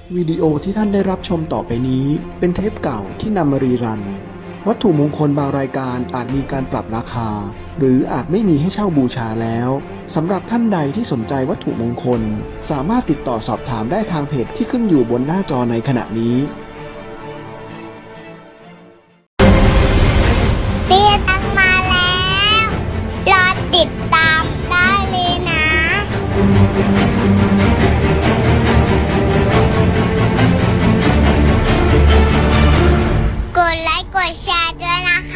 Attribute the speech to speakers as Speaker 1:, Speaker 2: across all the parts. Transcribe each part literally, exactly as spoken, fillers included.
Speaker 1: วิดีโอที่ท่านได้รับชมต่อไปนี้เป็นเทปเก่าที่นำมารีรัน วัตถุมงคลบางรายการอาจมีการปรับราคา หรืออาจไม่มีให้เช่าบูชาแล้วสำหรับท่านใดที่สนใจวัตถุมงคลสามารถติดต่อสอบถามได้ทางเพจที่ขึ้นอยู่บนหน้าจอในขณะนี้
Speaker 2: เตี้ยตังมาแล้ว รอติดตามได้เลยนะ กดไลค์กดแชร์ด้วยนะคะ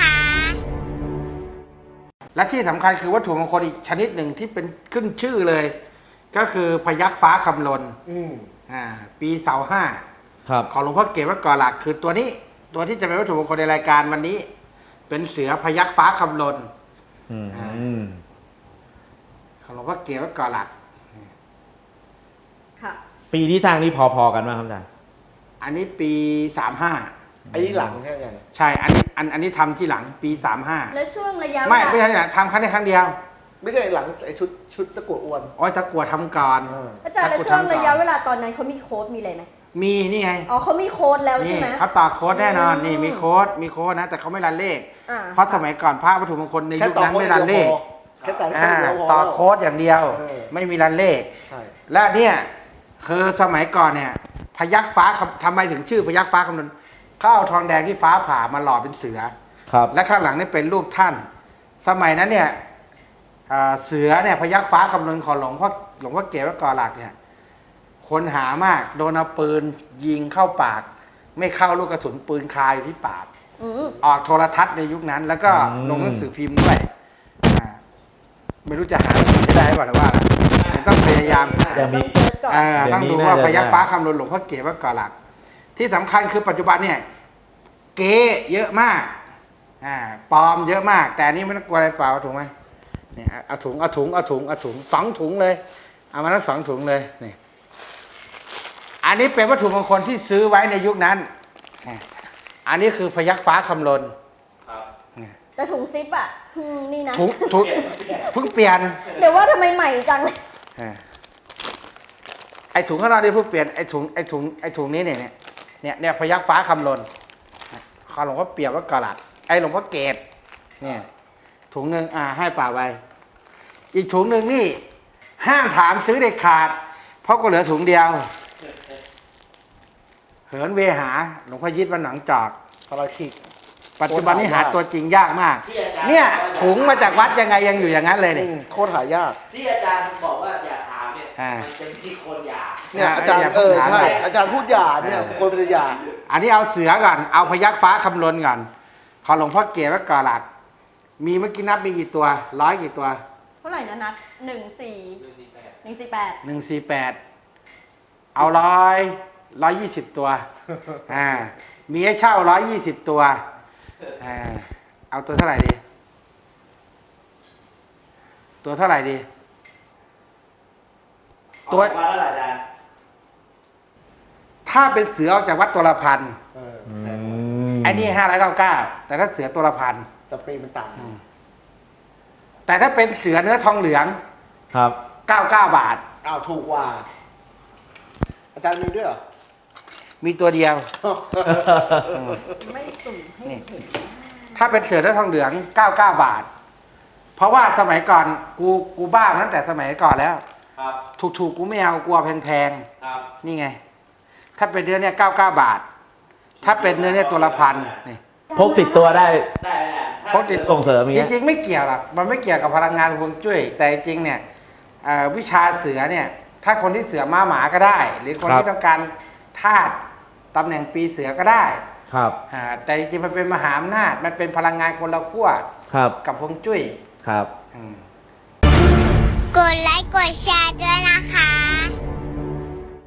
Speaker 3: และที่สำคัญคือวัตถุมงคลอีกชนิดหนึ่งที่เป็นขึ้นชื่อเลย ก็คือพยัคฆ์ฟ้าคำลนอ่าปีเสาห้าของหลวงพ่อเกศวัดก่อหลักคือตัวนี้ตัวที่จะเป็นวัตถุมงคลในรายการวันนี้ เป็นเสือพยัคฆ์ฟ้าคำลนของหลวงพ่อเกศวัดก่อหลัก
Speaker 4: ปีที่สร้างนี่พอๆกันไหมครับอาจารย์
Speaker 3: อันนี้ปีสามห้า
Speaker 5: อันนี้หลังใช่ไหม
Speaker 3: ใช่อันนี้อันอันนี้ทำที่หลังปีสามห้า
Speaker 6: แล้วช่วงระยะ
Speaker 3: ไม่ไม่ใช่ที่หลังทำครั้งนี้ครั้งเดียว
Speaker 5: ไม่ใช่หลังไอชุดชุดตะกั่วอ้วน
Speaker 3: อ๋อตะกั่วทำก่อน
Speaker 6: อาจารย์แล้วช่วงระยะเวลาตอนนั้นเขามีโค้ดมีอะไรไหม
Speaker 3: มีนี่ไง
Speaker 6: อ๋อเขามีโค้ดแล้วใช่ไหม
Speaker 3: เขาต่อโค้ดแน่นอนนี่มีโค้ดมีโค้ดนะแต่เขาไม่รันเลขเพราะสมัยก่อนพระวัตถุมงคลในยุคนั้นไม่รันเลข
Speaker 5: แค่ต่อโค้ด
Speaker 3: ต่อโค้ดอย่างเดียวไม่มีรันเลขและเนี่ยคือสมัยก่อนเนี่ยพยัคฆ์ฟ้าทำไมถึงชื่อพยัคฆ์ฟ้าคำนวณเขาเอาทองแดงที่ฟ้าผ่ามาหล่อเป็นเสือและข้างหลังนี่เป็นรูปท่านสมัยนั้นเนี่ยเสือเนี่ยพยัคฆ์ฟ้าคำนวณของหลวงพ่อหลวงพ่อเกศวัดก่อหลักเนี่ยคนหามากโดนเอาปืนยิงเข้าปากไม่เข้าลูกกระสุนปืนคาอยู่ที่ปากออกโทรทัศน์ในยุคนั้นแล้วก็ลงหนังสือพิมพ์ด้วยไม่รู้จะหาได้หรือว่าต้องพยายามต้องดูว่าพยัคฆ์ฟ้าคำนวณหลวงพ่อเกศวัดก่อหลักที่สำคัญคือปัจจุบันเนี่ยเก๋เยอะมากอ่าปลอมเยอะมากแต่นี่ไม่ต้องกลัวอะไรเปล่าถูกไหมเนี่ยเอาถุงเอาถุงเอาถุงเอาถุงสองถุงเลยเอามาทั้งสองถุงเลยนี่อันนี้เป็นวัตถุมงคลที่ซื้อไว้ในยุคนั้นอันนี้คือพยัคฆ์ฟ้าคำลน
Speaker 6: แต่ถุงซิปอ่ะนี่นะ
Speaker 3: ถุงถุงเพิ่งเปลี่ยน
Speaker 6: เดี๋ยวว่าทำไมใหม่จังเลย
Speaker 3: ไอถุงข้างนอกนี่เพิ่งเปลี่ยนไอถุงไอถุงไอถุงนี้เนี่ยเนี่ยเนี่ยพยัคฆ์ฟ้าคำลนขอหลวงพ่อเปียกวัดก่อหลักไอหลวงพ่อเกศเนี่ยถุงหนึ่งอ่าให้ป่าไว้อีกถุงหนึ่งนี่ห้ามถามซื้อเด็ดขาดเพราะก็เหลือถุงเดียวเหินเวหาหลวงพ่อยิดวัดหนองจอก
Speaker 5: พระคิก
Speaker 3: ปัจจุบันนี้หาตัวจริงยากมากเนี่ยถุงมาจากวัดยังไงยังอยู่อย่างนั้นเลยเนี่ย
Speaker 5: โคตรหายาก
Speaker 7: ที่อาจารย์บอกว่าอย่าถามเนี่ยมันเป็นที่คนอยาก
Speaker 5: เนี่ยอาจารย์เออใช่อาจารย์พูดหยาเนี่ยคนเป็นหยา
Speaker 3: อันนี้เอาเสือก่อนเอาพยัคฆ์ฟ้าคำลนก่อนขอหลวงพ่อเกศวัดก่อหลักมีเมื่อกี้นับมีกี่ตัวร้อยกี่ตัว
Speaker 6: เท่าไหร่นะนัดหนึ่งสี่หนึ่งสี่แปด
Speaker 3: หนึ่งสี่แปดเอาร้อยร้อยยี่สิบตัวอ่ามีให้เช่าร้อยยี่สิบตัวอ่าเอาตัวเท่าไหร่ดีตัวเท่าไหร่ดี
Speaker 7: ตัวเท่าไหร่อาจารย์
Speaker 3: ถ้าเป็นเสือออกจากวัดตัวละพันไอ้นี่ห้าร้อยเก้าเก้าแต่ถ้าเสือตัวละพัน
Speaker 5: แต่ปีมันต่าง
Speaker 3: แต่ถ้าเป็นเสือเนื้อทองเหลือง
Speaker 4: ครับ
Speaker 3: เก้าเก้าบาท
Speaker 5: อ้าวถูกกว่าอาจารย์มีด้วยเหรอ
Speaker 3: มีตัวเดียว
Speaker 6: ไม่สุ่มให้เห็น
Speaker 3: ถ้าเป็นเสือเนื้อทองเหลืองเก้าเก้าบาทเพราะว่าสมัยก่อนกูกูบ้าตั้งแต่สมัยก่อนแล้วถูกถูกกูไม่เอากลัวแพงๆนี่ไงถ้าเป็นเนื้อเนี่ยเก้าเก้าบาทถ้าเป็นเนื้อเนี่ยตัวละพันนี่
Speaker 4: พกติดตัวได้
Speaker 3: พกติด
Speaker 4: ส่งเสริม
Speaker 3: จริงๆไม่เกี่ยวหรอกมันไม่เกี่ยวกับพลังงานฮวงจุ้ยแต่จริงเนี่ยวิชาเสือเนี่ยถ้าคนที่เสือม้าหมาก็ได้ หรือคนที่ต้องการธาตุตำแหน่งปีเสือก็ได้
Speaker 4: ครับ
Speaker 3: แต่จริงๆมันเป็นมหาอำนาจมันเป็นพลังงานคนละขั้วกับฮวงจุ้ย
Speaker 4: ครับ
Speaker 2: กดไลค์กดแชร์ด้วยนะคะ